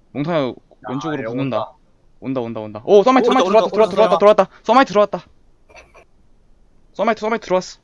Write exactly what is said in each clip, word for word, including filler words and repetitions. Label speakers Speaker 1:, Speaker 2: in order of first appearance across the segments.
Speaker 1: 몽타야 왼쪽으로
Speaker 2: 야,
Speaker 1: 붙는다. 온다 온다 온다. 오 서마이트 서마이트
Speaker 3: 오른쪽,
Speaker 1: 들어왔다 들어왔다
Speaker 3: 오른쪽,
Speaker 1: 들어왔다 들어왔다. 서마이트 들어왔다. 서마이트 서마이트 들어왔어.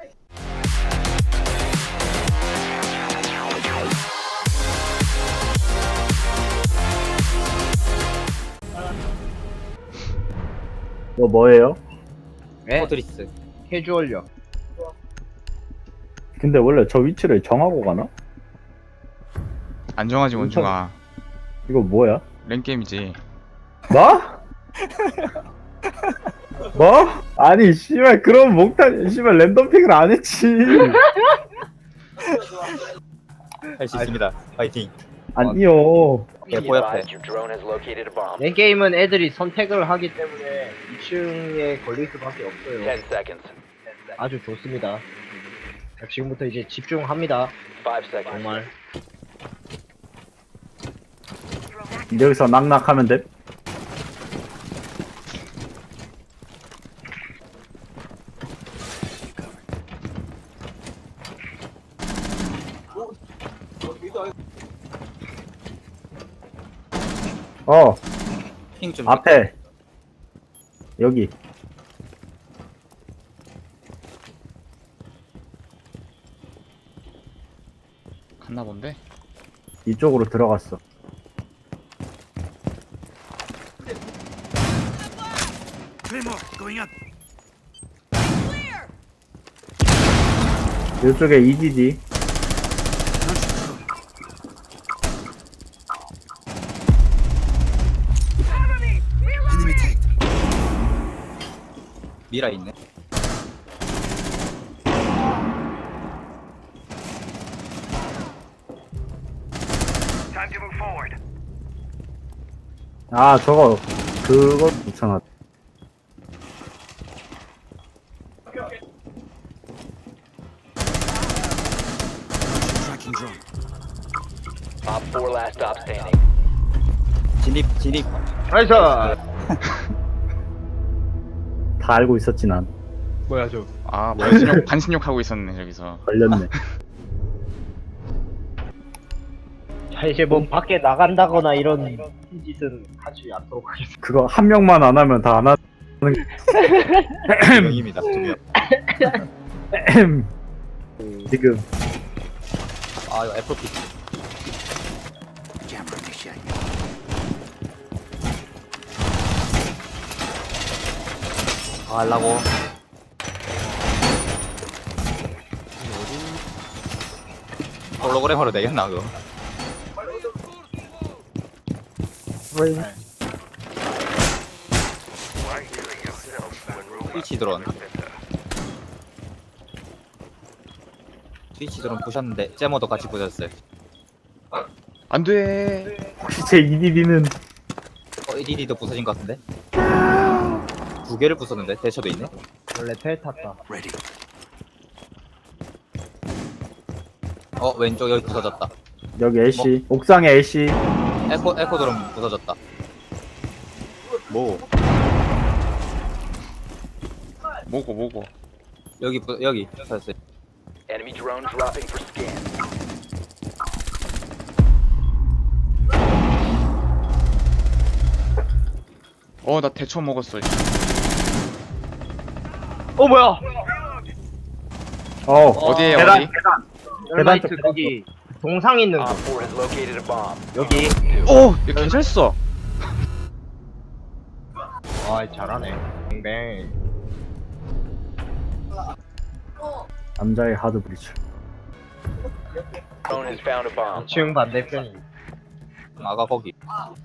Speaker 2: 뭐 뭐예요?
Speaker 4: 네?
Speaker 3: 포트리스.
Speaker 4: 캐주얼요.
Speaker 2: 근데 원래 저 위치를 정하고 가나?
Speaker 1: 안정하지 원중아.
Speaker 2: 이거 뭐야?
Speaker 1: 랭게임이지.
Speaker 2: 뭐? 뭐? 아니 씨발 그럼 몽탄 씨발 랜덤 픽을 안 했지.
Speaker 3: 할 수 있습니다. 파이팅.
Speaker 2: 아니요.
Speaker 3: 예, 보약해.
Speaker 4: 내 게임은 애들이 선택을 하기 때문에 이 층에 걸릴 수밖에 없어요. 아주 좋습니다. 자, 지금부터 이제 집중합니다. 정말.
Speaker 2: 여기서 낙낙하면 돼? 어
Speaker 3: 핑 좀.
Speaker 2: 앞에 여기
Speaker 1: 갔나 본데.
Speaker 2: 이쪽으로 들어갔어. 이쪽에 이디디.
Speaker 3: 미라 있네.
Speaker 2: 아 저거 그거 붙여놨.
Speaker 3: 진입 진입.
Speaker 4: 나이스!
Speaker 2: 다 알고 있었지 난.
Speaker 4: 뭐야 저.
Speaker 1: 아 반신욕 반신욕 하고 있었네 저기서.
Speaker 2: 걸렸네.
Speaker 4: 자 이제 뭐 밖에 나간다거나 이런 짓은 하지 않도록 하겠습니다.
Speaker 2: 그거 한 명만 안 하면 다 안 하는.
Speaker 3: 두 명입니다. 두 명.
Speaker 2: 지금
Speaker 3: 아 이거 애플 피치. 아 하려고. 홀로그램으로 되겠나 그거? 스위치 드론. 스위치 드론 부셨는데 제모도 같이 부셨어요.
Speaker 1: 안돼.
Speaker 2: 혹시 제 이디디는
Speaker 3: 어, 이디디도 부서진 것 같은데? 두 개를 부쉈는데 대처도 있네.
Speaker 4: 원래 텔 탔다.
Speaker 3: 어 왼쪽 여기 부서졌다.
Speaker 2: 여기 애쉬 옥상에 애쉬.
Speaker 3: 에코 에코 드론 부서졌다. 뭐
Speaker 1: 뭐고 뭐고.
Speaker 3: 여기 부, 여기 부서졌어요.
Speaker 5: Enemy drone dropping for scan.
Speaker 1: 어 나 대처 먹었어.
Speaker 4: 어 뭐야?
Speaker 2: 어
Speaker 1: 어디에
Speaker 2: 계단
Speaker 1: 어디?
Speaker 2: 계단.
Speaker 4: 열마이트
Speaker 2: 계단
Speaker 4: 거기 동상 있는
Speaker 5: Op
Speaker 4: 곳.
Speaker 5: four has located a bomb.
Speaker 4: 여기.
Speaker 1: 오, 얘 괜찮어
Speaker 4: 아 잘하네. 뱅뱅.
Speaker 2: 남자의 하드 브리츠.
Speaker 5: Drone has found a bomb.
Speaker 4: 이 층 반대편이.
Speaker 3: 아가 거기.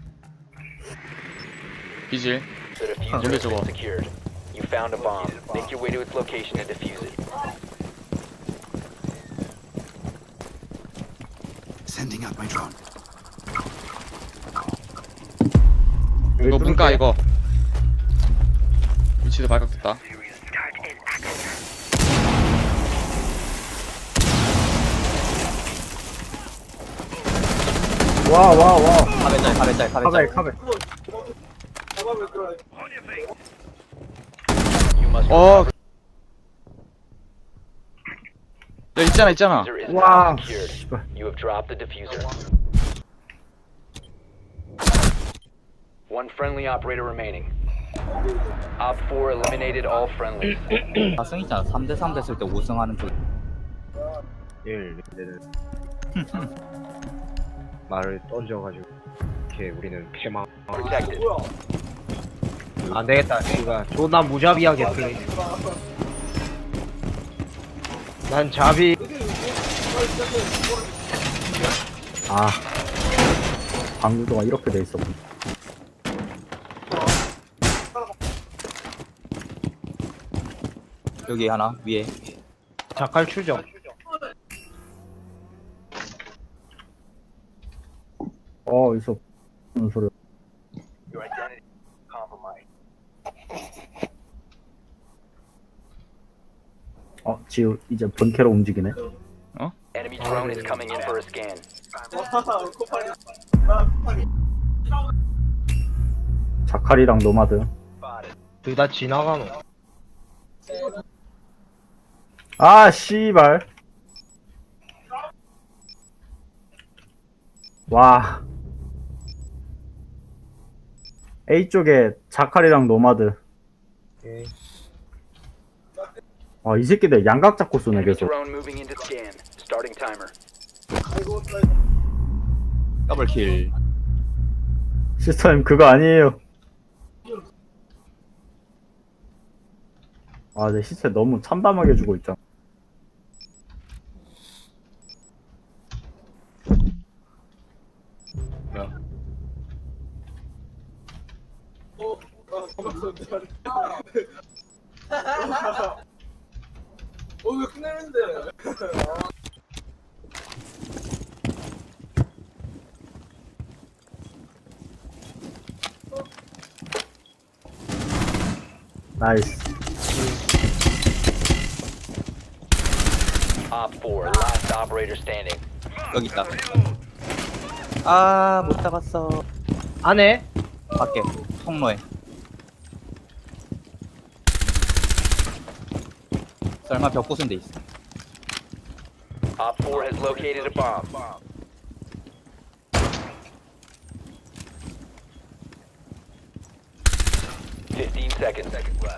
Speaker 1: 비질.
Speaker 5: The diffuser
Speaker 1: 근데
Speaker 5: has
Speaker 1: 저거.
Speaker 5: been secured. You found a bomb. Make your way to its location and defuse it.
Speaker 6: Sending out my drone.
Speaker 1: 이거 문까 이거. 위치도 발각됐다.
Speaker 2: 와 와 와.
Speaker 3: 카베짤 카베짤
Speaker 2: 카베
Speaker 3: 카베짤.
Speaker 2: 카베.
Speaker 5: You must
Speaker 1: 어. 야 있잖아 있잖아.
Speaker 5: diffuser is
Speaker 2: 와.
Speaker 5: now secured.
Speaker 2: 씨발.
Speaker 5: You have dropped the diffuser. One friendly operator remaining. Op four eliminated all friendlies.
Speaker 3: 다승 있잖아. 삼 대 삼 됐을 때 오 승하는 쪽.
Speaker 4: 일 말을 던져가지고 이렇게 우리는 패망.
Speaker 5: Protected.
Speaker 4: 안 되겠다. 씨가 존나 무자비하게 플레이. 난 자비.
Speaker 2: 아 방구도가 이렇게 돼 있었군.
Speaker 3: 여기 하나 위에.
Speaker 4: 자칼 추적.
Speaker 2: 어 있어. 무슨 소리야.
Speaker 5: Your identity compromised.
Speaker 2: 어 지우 이제 본캐로 움직이네.
Speaker 5: Enemy drone is coming in for a scan.
Speaker 2: 자칼이랑 노마드.
Speaker 4: 둘 다 지나가노.
Speaker 2: 아 씨발. 와. A 쪽에 자칼이랑 노마드.
Speaker 4: 오케이.
Speaker 2: 아 이 새끼들 양각 잡고 쏘네
Speaker 5: Enemy
Speaker 2: 계속.
Speaker 5: drone moving into scan. Starting timer.
Speaker 3: 더블킬.
Speaker 2: 시스터님 그거 아니에요. 아, 내 시체 너무 참담하게 주고 있잖아. 나이스.
Speaker 5: Op four, last operator standing.
Speaker 3: 여기 있다. 아, 못 잡았어.
Speaker 4: 안에
Speaker 3: 밖에 통로에. 설마 벽 부순 데 있어.
Speaker 5: Op four has located a bomb. Fifteen seconds.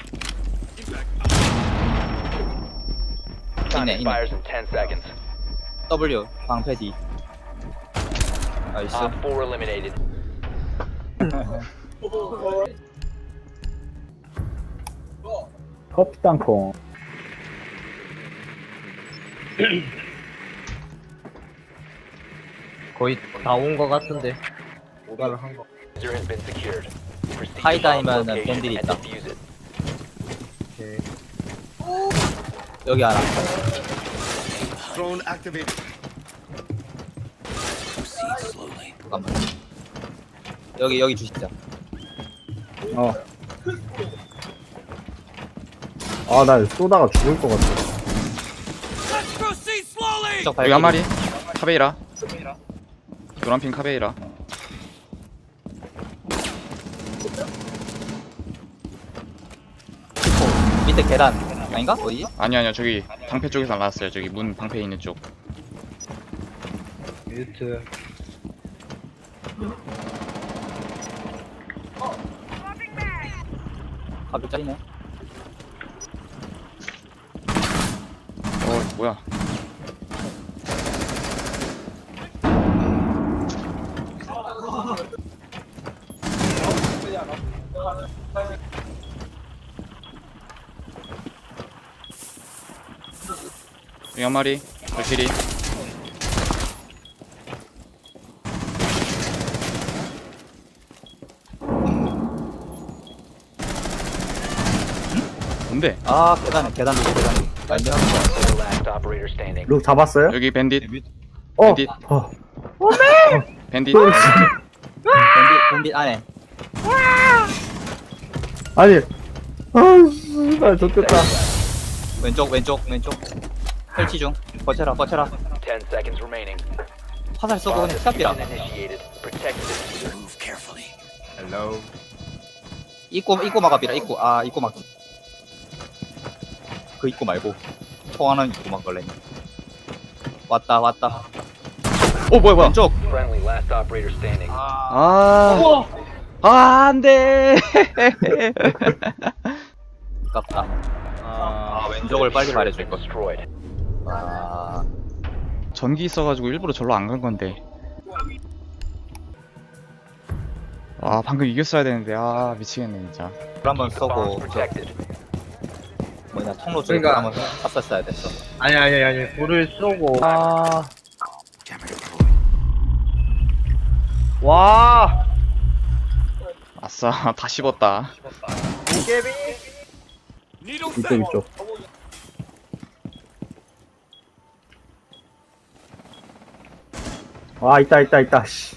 Speaker 5: Time
Speaker 3: 있네, 있네.
Speaker 5: expires in ten seconds.
Speaker 3: W 방패 D. 나이스.
Speaker 5: Op four eliminated.
Speaker 2: 커피 땅콩.
Speaker 4: 거의 다 온 거 같은데. 오달을 한 거.
Speaker 5: User has been secured. Proceed to
Speaker 3: 하이다이면은
Speaker 5: bomb location
Speaker 3: 밴들이
Speaker 5: and
Speaker 3: 있다.
Speaker 5: defuse it.
Speaker 4: 오케이.
Speaker 3: 여기 하나.
Speaker 6: Drone activated. Proceed slowly.
Speaker 3: 잠깐만. 여기 여기 주시자.
Speaker 2: 어. 아, 나 쏘다가 죽을 것 같아.
Speaker 3: 쪽
Speaker 1: 여기 한 마리. 카베이라. 노란핑 카베이라.
Speaker 3: 밑에 계단 아닌가? 어디?
Speaker 1: 아니 아니요 저기 방패 쪽에서 나왔어요. 저기 문 방패 있는 쪽.
Speaker 4: 뮤트.
Speaker 3: 가격 짜리네.
Speaker 1: 어 뭐야? 여기 한 마리. 발키리. 뭔데?
Speaker 3: 아 계단에 계단 밑에 계단. 아닌데.
Speaker 5: The last operator standing.
Speaker 2: 룩 잡았어요?
Speaker 1: 여기 밴딧.
Speaker 2: 어.
Speaker 1: 밴딧.
Speaker 2: 어.
Speaker 1: 밴딧.
Speaker 3: 밴딧 밴딧 안에.
Speaker 2: 아니. 아, 씨발 좋겠다.
Speaker 3: 왼쪽 왼쪽 왼쪽. 설치 중. 버텨라 버텨라.
Speaker 5: Ten seconds remaining.
Speaker 3: 화살 쏘고 그냥 시작이라.
Speaker 5: Initiated. Protect the diffuser.
Speaker 6: Move carefully.
Speaker 4: 헬로.
Speaker 3: 입고 입고 막아비라 입고 아 입고 막. 그 입고 말고 통하는 입고 막걸래. 왔다 왔다.
Speaker 1: 오 뭐야 뭐야?
Speaker 3: 왼쪽.
Speaker 5: Friendly last operator standing.
Speaker 1: 아. 아, 안 돼.
Speaker 3: 아깝다.
Speaker 4: 아,
Speaker 3: 아, 왼쪽을 빨리 말해줄 걸.
Speaker 5: Destroyed.
Speaker 3: 아,
Speaker 1: 전기 있어가지고 일부러 절로 안 간 건데. 아, 방금 이겼어야 되는데. 아, 미치겠네, 진짜.
Speaker 3: 불 한번
Speaker 5: The
Speaker 3: 쏘고,
Speaker 5: bomb's
Speaker 3: 저,
Speaker 5: protected.
Speaker 3: 뭐냐, 통로 쪽에 불
Speaker 4: 그러니까.
Speaker 3: 한번 쐈었어야 됐어.
Speaker 4: 아니 아니 아니 불을 쏘고. 아, 와,
Speaker 1: 아싸, 다 씹었다.
Speaker 4: 도깨비.
Speaker 6: Needle
Speaker 2: 이쪽
Speaker 6: set.
Speaker 2: 이쪽. 아 있다 있다 있다. 씨.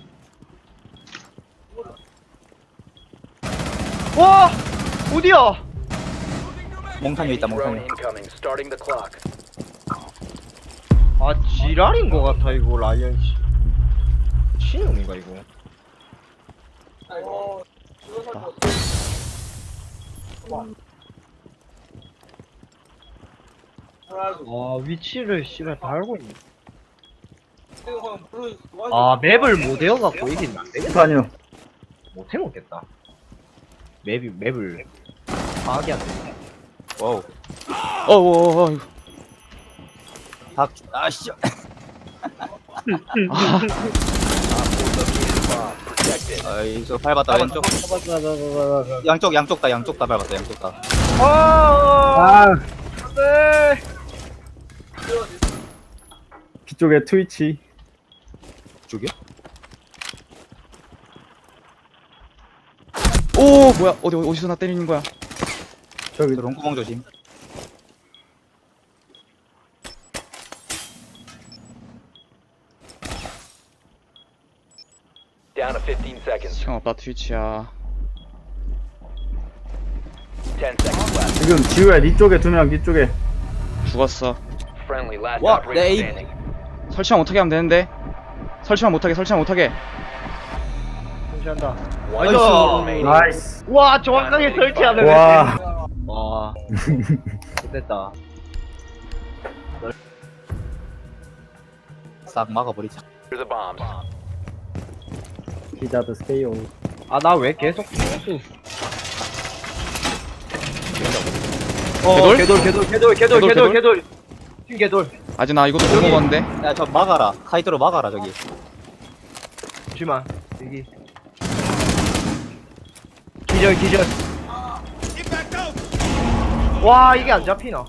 Speaker 4: 와, 어디야?
Speaker 3: 몽탄이 있다,
Speaker 5: Drone
Speaker 3: 몽탄이.
Speaker 5: incoming. Starting the clock.
Speaker 4: 아, 지랄인 것 같아 이거 라이언 씨. 신놈인가 이거? 와, 위치를 씨발 다 알고 있네. 아, 맵을 못 외워갖고 이긴 안 되겠다.
Speaker 2: 아니요.
Speaker 4: 못 해먹겠다. 맵이 맵을 파악이 안 돼.
Speaker 3: 와우.
Speaker 1: 어, 어, 어, 어.
Speaker 3: 닭, 아, 씨.
Speaker 5: Protected.
Speaker 3: 아, 이거 밟았다, 왼쪽. 양쪽, 양쪽 다, 양쪽 다 밟았다, 양쪽 다.
Speaker 4: 아,
Speaker 2: 아
Speaker 4: 네.
Speaker 2: 뒤쪽에 트위치.
Speaker 3: 쪽이요?
Speaker 1: 오, 뭐야? 어디, 어디서 나 때리는 거야?
Speaker 2: 저기
Speaker 3: 롱구멍 조심.
Speaker 5: Down to fifteen seconds.
Speaker 1: 시간 없다, 트위치야.
Speaker 5: ten seconds left.
Speaker 2: 지금 지우야 니 쪽에 두 명, 니 쪽에.
Speaker 1: 죽었어.
Speaker 5: Friendly last
Speaker 3: What?
Speaker 5: operator
Speaker 3: They-
Speaker 5: standing.
Speaker 1: 설치만 못하게 하면 되는데. 설치만 못하게, 설치만 못하게.
Speaker 4: 설치한다.
Speaker 5: One
Speaker 4: 나이스.
Speaker 5: remaining.
Speaker 2: 나이스.
Speaker 4: 와, 정확하게 설치하네.
Speaker 2: 와.
Speaker 4: 와, 됐다.
Speaker 3: 싹 막아버리자.
Speaker 5: The bombs.
Speaker 2: 기자드 스테이오.
Speaker 4: 아, 나 왜 계속 수
Speaker 1: 개돌?
Speaker 4: 개돌, 개돌, 개돌, 개돌,
Speaker 1: 개돌,
Speaker 4: 개돌, 개돌. 팀 개돌.
Speaker 1: 아직 나 이것도 못 먹었는데.
Speaker 3: 야, 저 막아라. 카이드로 막아라, 저기.
Speaker 4: 잠시만, 여기. 기절, 기절.
Speaker 6: Get back down.
Speaker 4: 와, 이게 안 잡히나?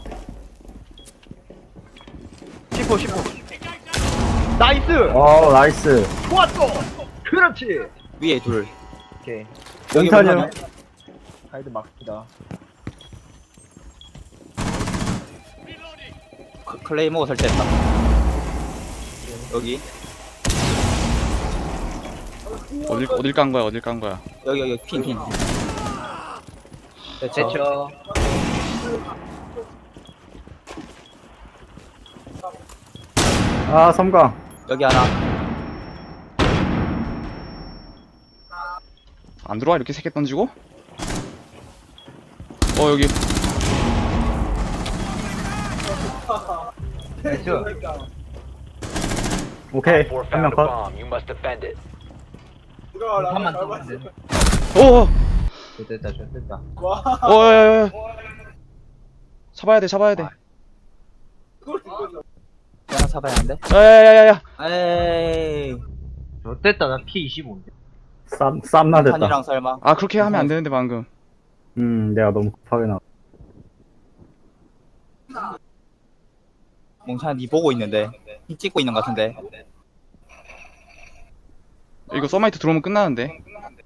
Speaker 4: 십호, 십호. 나이스!
Speaker 2: 어 나이스.
Speaker 4: 좋았어! 그렇지!
Speaker 3: 위에 둘.
Speaker 4: 오케이.
Speaker 3: 여기
Speaker 2: 몽탄이요.
Speaker 3: 보면은
Speaker 4: 가이드 막히다.
Speaker 3: 크- 클레이모어 설치했다. 여기,
Speaker 1: 어딜, 어딜 깐 거야, 어딜 깐 거야.
Speaker 3: 여기, 여기, 핀, 핀. 됐죠?
Speaker 4: 됐죠.
Speaker 2: 아 섬광.
Speaker 3: 여기 하나.
Speaker 1: 안 들어와, 이렇게 세 개 던지고? 어, 여기.
Speaker 4: 됐죠.
Speaker 2: 오케이
Speaker 5: Four
Speaker 2: 한 명
Speaker 5: found a
Speaker 2: 컷.
Speaker 5: bomb. You must defend it.
Speaker 4: 한만 더 하면 돼.
Speaker 1: 오!
Speaker 4: 됐다, 됐다.
Speaker 1: 어, 야, 야, 야. 잡아야 돼, 잡아야 돼.
Speaker 3: 하나 잡아야 하는데?
Speaker 1: 야, 야, 야, 야, 야.
Speaker 3: 에이.
Speaker 4: 됐다, 나 피 이십오인데.
Speaker 2: 쌈 쌈나 됐다.
Speaker 3: 탄이랑 설마.
Speaker 1: 아, 그렇게 하면 안 되는데, 방금.
Speaker 2: 음 내가 너무 급하게 나.
Speaker 3: 몽찬 니 보고 있는데. 니 찍고 있는 것 같은데.
Speaker 1: 이거 서마이트 들어오면 끝나는데.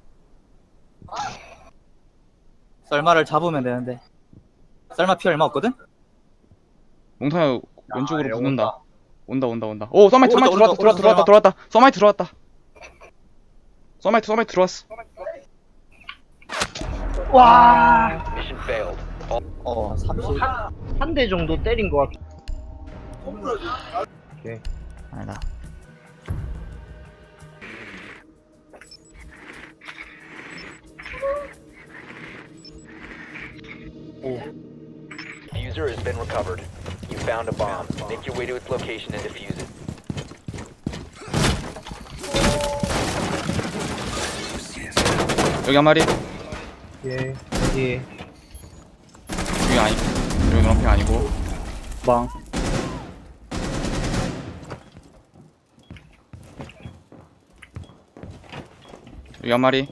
Speaker 3: 썰마를 잡으면 되는데. 썰마 피 얼마 없거든?
Speaker 1: 몽타야 왼쪽으로
Speaker 4: 야,
Speaker 1: 붙는다. 온다, 온다, 온다. 오, 서마이트,
Speaker 3: 오른쪽,
Speaker 1: 서마이트 들어왔다,
Speaker 3: 오른쪽,
Speaker 1: 들어왔다,
Speaker 3: 오른쪽
Speaker 1: 들어왔다, 들어왔다. 서마이트 들어왔다. 서마이트, 서마이트 들어왔어.
Speaker 4: 와!
Speaker 5: Mission failed. All
Speaker 3: 어, 삼십.
Speaker 4: 한 대 정도 때린 것 같아. 오케이.
Speaker 1: 아니다.
Speaker 5: diffuser has been recovered. You found a bomb. Make your way to its location and defuse it.
Speaker 1: 여기 한 마리.
Speaker 4: 예. 여기.
Speaker 1: 여기 아니. 여기 노란핑 아니고.
Speaker 2: 빵.
Speaker 1: 여기 한 마리.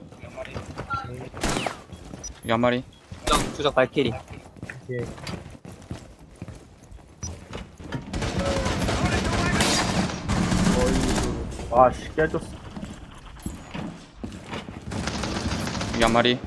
Speaker 1: 여기 한 마리.
Speaker 3: 추적, 추적 발키리.
Speaker 4: 예.
Speaker 2: 아씨 깨졌어.
Speaker 1: 여기 한 마리.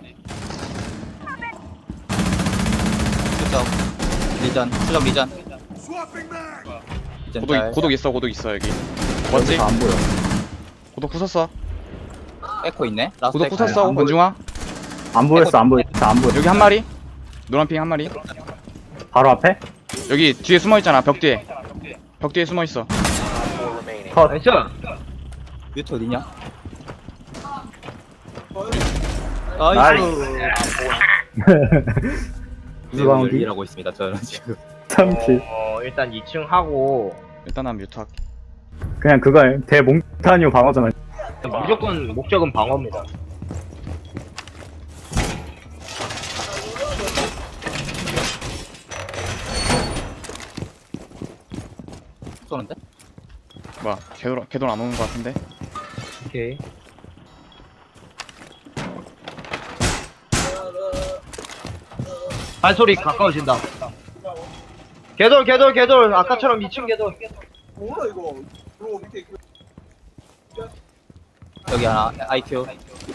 Speaker 3: 추적. 리전. 추적 리전.
Speaker 6: Swapping mag.
Speaker 3: 리전
Speaker 1: 고독
Speaker 3: 짤.
Speaker 1: 고독 있어 고독 있어 여기. 뭐지?
Speaker 2: 안 보여.
Speaker 1: 고독 부쉈어.
Speaker 3: 에코 있네. 라스트
Speaker 1: 고독
Speaker 3: 에코.
Speaker 1: 부쉈어.
Speaker 2: 안 보여.
Speaker 1: 원중아.
Speaker 2: 안 보였어 안 보였어 안 보여.
Speaker 1: 여기 한 마리. 노란핑 한 마리.
Speaker 2: 바로 앞에?
Speaker 1: 여기 뒤에 숨어 있잖아. 벽 뒤에. 벽 뒤에 숨어 있어.
Speaker 5: Op four remaining.
Speaker 2: 컷.
Speaker 4: 나이스!
Speaker 3: 뮤트 어디냐?
Speaker 2: 나이스. 무방비
Speaker 3: 일하고 있습니다. 저는 지금.
Speaker 2: 참치.
Speaker 4: 어, 일단 이 층 하고,
Speaker 1: 일단 난 뮤트 할게.
Speaker 2: 그냥 그거야. 대몽타니오 방어잖아.
Speaker 4: 무조건 목적은 방어입니다.
Speaker 3: 쏘는데?
Speaker 1: 뭐야? 걔도 걔도 안 오는 것 같은데.
Speaker 4: 오케이. 발소리 가까워진다. 개돌, 개돌, 개돌. 아까처럼 이 층 개돌.
Speaker 3: 여기 하나. 아이큐.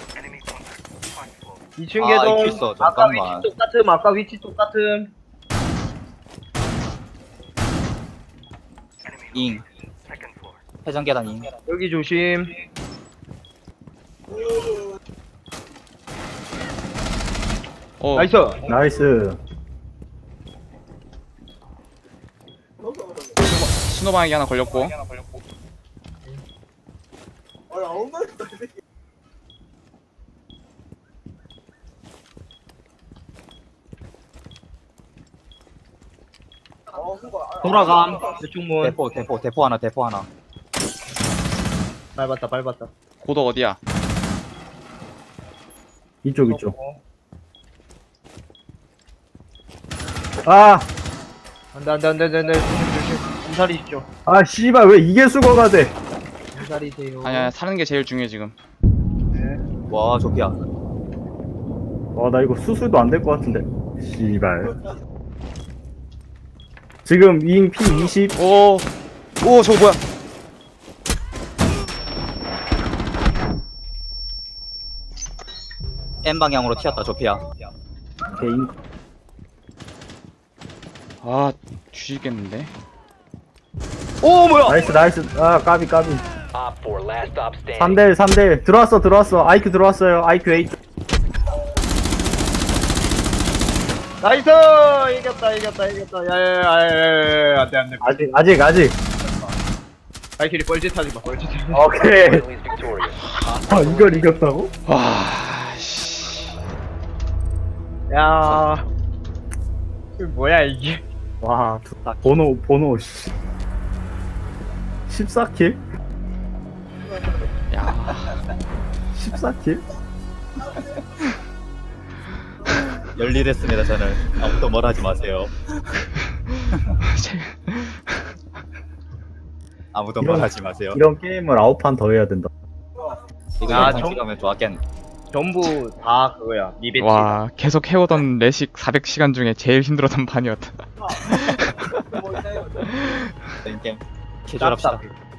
Speaker 4: 이 층
Speaker 3: 아,
Speaker 4: 개돌.
Speaker 3: 이렇게 있어.
Speaker 4: 아까
Speaker 3: 잠깐만.
Speaker 4: 위치 똑같음, 아까 위치 똑같음.
Speaker 3: 잉. 회전 계단 잉.
Speaker 4: 여기 조심.
Speaker 1: 어.
Speaker 4: 나이스.
Speaker 2: 나이스.
Speaker 1: 신호방향이 하나 걸렸고.
Speaker 4: 돌아감. 이쪽 문.
Speaker 3: 대포, 대포, 대포 하나, 대포 하나.
Speaker 4: 밟았다, 밟았다.
Speaker 1: 고독 어디야?
Speaker 2: 이쪽 이쪽. 아!
Speaker 4: 안돼, 안돼, 안돼, 안돼. 조심, 조심. 엄살이시죠.
Speaker 2: 아 씨발 왜 이게 수거가 돼?
Speaker 4: 엄살이세요.
Speaker 1: 아니야 사는 게 제일 중요해 지금.
Speaker 3: 와, 조피야.
Speaker 2: 와 나 이거 수술도 안 될 것 같은데. 씨발. 지금 잉 피 이십.
Speaker 1: 오. 오 저거 뭐야?
Speaker 3: M 방향으로 튀었다, 조피야.
Speaker 2: 개인.
Speaker 1: 아 뒤지겠는데.
Speaker 4: 오, 뭐야?
Speaker 2: 나이스 나이스. 아 까비 까비.
Speaker 5: Op four last stop standing.
Speaker 2: 삼 대 일 삼 대 일. 들어왔어 들어왔어. 아이큐 들어왔어요. 아이큐 팔.
Speaker 4: 나이스! 이겼다, 이겼다, 이겼다. 야야야야야. 안돼, 안돼.
Speaker 2: 아직 아직 아직.
Speaker 4: 발키리 뻘짓 하지 마, 뻘짓 하지 마.
Speaker 2: 오케이.
Speaker 5: Friendly is victorious.
Speaker 2: 아 이걸 이겼다고?
Speaker 1: 와. 씨.
Speaker 4: 야. 이거 뭐야, 이게.
Speaker 2: 와 두- 번호 번호 씨. 십사 킬?
Speaker 1: 야.
Speaker 2: 십사 킬?
Speaker 3: 열일했습니다, 저는. 아무도 뭘 하지 마세요. 아무도 뭘
Speaker 2: 이런-
Speaker 3: 하지 마세요.
Speaker 2: 이런 게임을 아홉 판 더 해야 된다.
Speaker 3: 이거
Speaker 4: 아,
Speaker 3: 영상
Speaker 4: 정-
Speaker 3: 찍으면 좋았겠네.
Speaker 4: 전부 다 그거야. 미배치.
Speaker 1: 와 계속 해오던 레식 사백 시간 중에 제일 힘들었던 판이었다.
Speaker 3: 게임 캐주얼합시다.
Speaker 4: 짭짭.